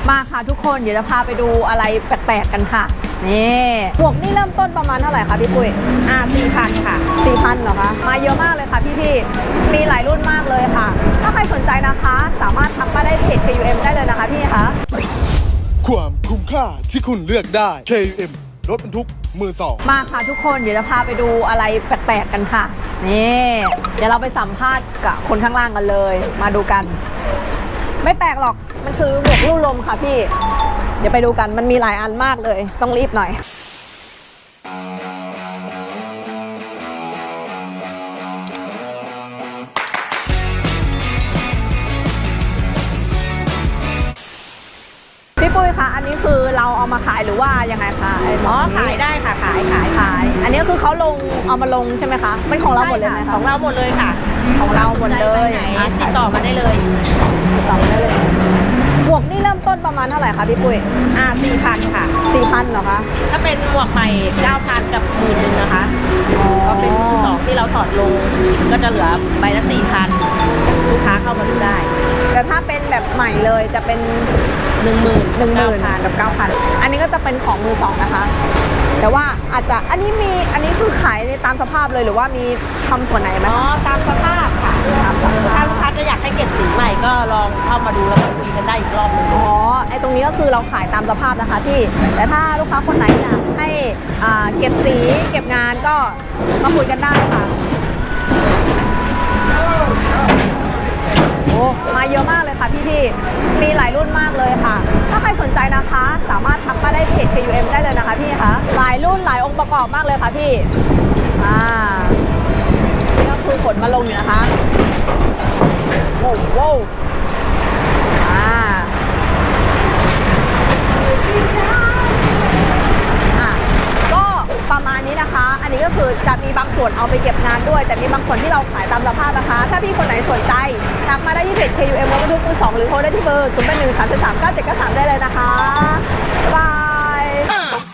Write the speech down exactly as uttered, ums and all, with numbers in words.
มาค่ะทุกคนเดี๋ยวจะพาไปดูอะไรแปลกๆกันค่ะนี่หมวกนี่เริ่มต้นประมาณเท่าไหร่คะพี่ปุ้ยอ่าสี่พันค่ะสี่พันเหรอคะมาเยอะมากเลยค่ะพี่ๆมีหลายรุ่นมากเลยค่ะถ้าใครสนใจนะคะสามารถทักมาได้เพจ เค ยู เอ็ม ได้เลยนะคะพี่คะความคุ้มค่าที่คุณเลือกได้ เค ยู เอ็ม รถบรรทุกมือสองมาค่ะทุกคนเดี๋ยวจะพาไปดูอะไรแปลกๆกันค่ะนี่เดี๋ยวเราไปสัมภาษณ์กับคนข้างล่างกันเลยมาดูกันไม่แปลกหรอกมันคือหมวกลู่ลมค่ะพี่เดี๋ยวไปดูกันมันมีหลายอันมากเลยต้องรีบหน่อยพี่ปุ้ยคะอันนี้คือเราเอามาขายหรือว่ายังไงคะอ๋อขายได้ค่ะขายขายขายอันนี้คือเขาลงเอามาลงใช่ไหมคะเป็นของเราหมดเลยไหมคะของเราหมดเลยค่ะของเราหมดเลยติดต่อมาได้เลยติดต่อมาได้เลยหมวกนี่เริ่มต้นประมาณเท่าไหร่คะพี่ปุ้ยอ่าสี่พันค่ะสี่พันเหรอคะถ้าเป็นหมวกใหม่เก้าพันกับหมื่นหนึ่งนะคะก็เป็นมือสองที่เราถอดลงก็จะเหลือใบละสี่พันลูกค้าเข้ามาดูได้แต่ถ้าเป็นแบบใหม่เลยจะเป็นหนึ่งหมื่นหนึ่งหมื่นกับเก้าพันอันนี้ก็จะเป็นของมือสองนะคะแต่ว่าอาจจะอันนี้มีอันนี้คือขายในตามสภาพเลยหรือว่ามีทำส่วนไหนไหมอ๋อตามสภาพค่ะถ้าลูกค้าจะอยากให้เก็บสีใหม่ก็ลองเข้ามาดูแล้วมาคุยกันได้อีกรอบนึงอ๋อไอตรงนี้ก็คือเราขายตามสภาพนะคะที่แต่ถ้าลูกค้าคนไหนอยากให้อ่าเก็บสีเก็บงานก็มาคุยกันได้ค่ะโอ้มาเยอะมากเลยค่ะพี่ๆมีหลายรุ่นมากเลยค่ะถ้าใครสนใจนะคะสามารถทักมาได้เพจ เค ยู เอ็ม ได้เลยนะคะพี่คะหลายรุ่นหลายองค์ประกอบมากเลยค่ะพี่อ่านี่ก็คือขนมาลงอยู่นะคะโว้วโว้วอ่าอ่ะก็ประมาณนี้นะคะอันนี้ก็คือจะมีบางส่วนเอาไปเก็บงานด้วยแต่มีบางส่วนที่เราขายตามสภาพนะคะถ้าพี่คนไหนสนใจทักมาได้ที่เพจ เค ยู เอ็ม รถบรรทุกมือสองหรือโทรได้ที่เบอร์ศูนย์ แปด หนึ่ง สาม สาม เก้า เจ็ด เก้า สามได้เลยนะคะบ๊ายบาย